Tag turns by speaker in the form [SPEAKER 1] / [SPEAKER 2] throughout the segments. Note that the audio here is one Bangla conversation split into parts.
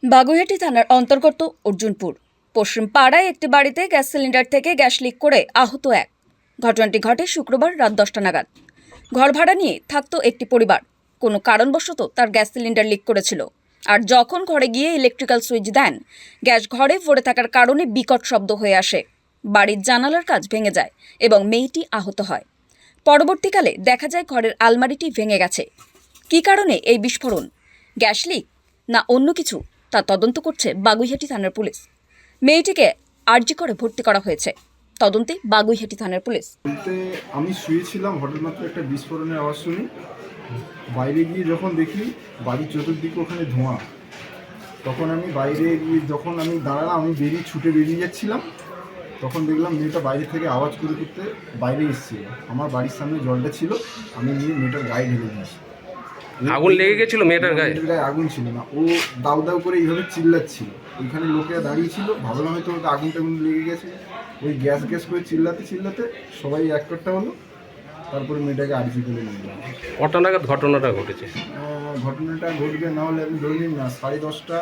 [SPEAKER 1] বাগুইআটি থানার অন্তর্গত অর্জুনপুর পশ্চিম পাড়ায় একটি বাড়িতে গ্যাস সিলিন্ডার থেকে গ্যাস লিক করে আহত এক। ঘটনাটি ঘটে শুক্রবার রাত 10টা নাগাদ। ঘর ভাড়া নিয়ে থাকতো একটি পরিবার। কোনো কারণবশত তার গ্যাস সিলিন্ডার লিক করেছিল, আর যখন ঘরে গিয়ে ইলেকট্রিক্যাল সুইচ দেন, গ্যাস ঘরে পড়ে থাকার কারণে বিকট শব্দ হয়ে আসে। বাড়ির জানালার কাচ ভেঙে যায় এবং মেয়েটি আহত হয়। পরবর্তীকালে দেখা যায় ঘরের আলমারিটি ভেঙে গেছে। কী কারণে এই বিস্ফোরণ, গ্যাস লিক না অন্য কিছু, তা তদন্ত করছে বাগুইআটি থানার পুলিশ। মেয়েটিকে আরজি করে ভর্তি করা হয়েছে। তদন্তে বাগুইআটি থানার পুলিশ।
[SPEAKER 2] বলতে আমি শুয়েছিলাম, হঠাৎ মাত্র একটা বিস্ফোরণের আওয়াজ শুনি। বাইরে গিয়ে যখন দেখি বাড়ির চতুর্দিকে ওখানে ধোঁয়া, তখন আমি বাইরে গিয়ে যখন আমি দাঁড়ালাম, আমি ছুটে বেরিয়ে যাচ্ছিলাম, তখন দেখলাম মেয়েটা বাইরে থেকে আওয়াজ করতে বাইরে এসেছিল। আমার বাড়ির সামনে জলটা ছিল, আমি নিয়ে মেয়েটার গায়ে ঢেলে দিয়েছি।
[SPEAKER 3] আগুন লেগে গেছিল মেয়েটার গায়ে?
[SPEAKER 2] আগুন ছিল না, ও দাউ দাউ করে এইভাবে চিল্লাচ্ছিল। ওইখানে লোকেরা দাঁড়িয়ে ছিল, ভাবলাম হয়তো ওকে আগুন টাগুন লেগে গেছে। ওই গ্যাস গ্যাস করে চিল্লাতে সবাই এক করতে হলো। তারপরে মেয়েটাকে আরজি করে নিয়ে গেলাম।
[SPEAKER 3] কটা নাগাদ ঘটনাটা ঘটেছে?
[SPEAKER 2] ঘটনাটা ঘটবে না হলে আমি ধরে নিন না 10:30।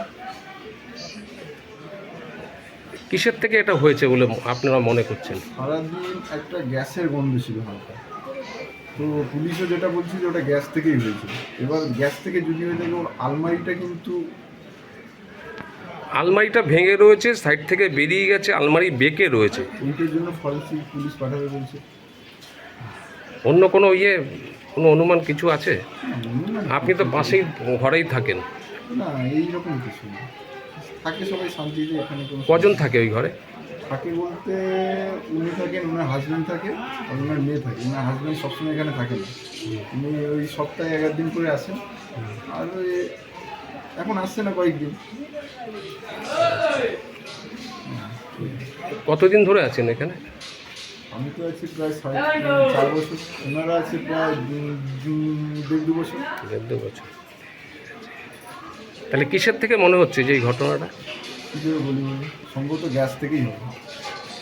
[SPEAKER 3] কিসের থেকে এটা হয়েছে বলে আপনারা মনে করছেন?
[SPEAKER 2] সারাদিন একটা গ্যাসের গন্ধ ছিল হালকা। তো পুলিশও যেটা বলছে যে ওটা গ্যাস থেকেই হয়েছিল। এবার গ্যাস থেকে যদি হয়ে থাকে, ওর আলমারিটা কিন্তু
[SPEAKER 3] আলমারিটা ভেঙে রয়েছে, সাইড থেকে বেরিয়ে গেছে, আলমারি বেঁকে রয়েছে।
[SPEAKER 2] এইটার জন্য ফরেন্সিক পুলিশ পাঠাবে বলছে।
[SPEAKER 3] অন্য কোনো কোনো অনুমান কিছু আছে? আপনি তো পাশেই ঘরেই থাকেন।
[SPEAKER 2] না, এইরকম কিছু না, থাকে সবাই শান্তিতে। এখানে কোনো
[SPEAKER 3] কজন থাকে ওই ঘরে?
[SPEAKER 2] থাকে বলতে উনি থাকেন, ওনার হাজব্যান্ড থাকে আর ওনার মেয়ে থাকে। ওনার হাজব্যান্ড সবসময় এখানে থাকে না, উনি ওই সপ্তাহে 11 দিন করে আসেন। আর ওই এখন আসছে না কয়েকদিন।
[SPEAKER 3] কতদিন ধরে আছেন এখানে?
[SPEAKER 2] আমি তো আছি প্রায় 4 বছর, ওনারা আছে প্রায় 1.5-2 বছর।
[SPEAKER 3] 1.5 বছর। তাহলে কিসের থেকে মনে হচ্ছে যে এই ঘটনাটা?
[SPEAKER 2] কী করে বলি, সম্ভবত গ্যাস থেকেই হবে।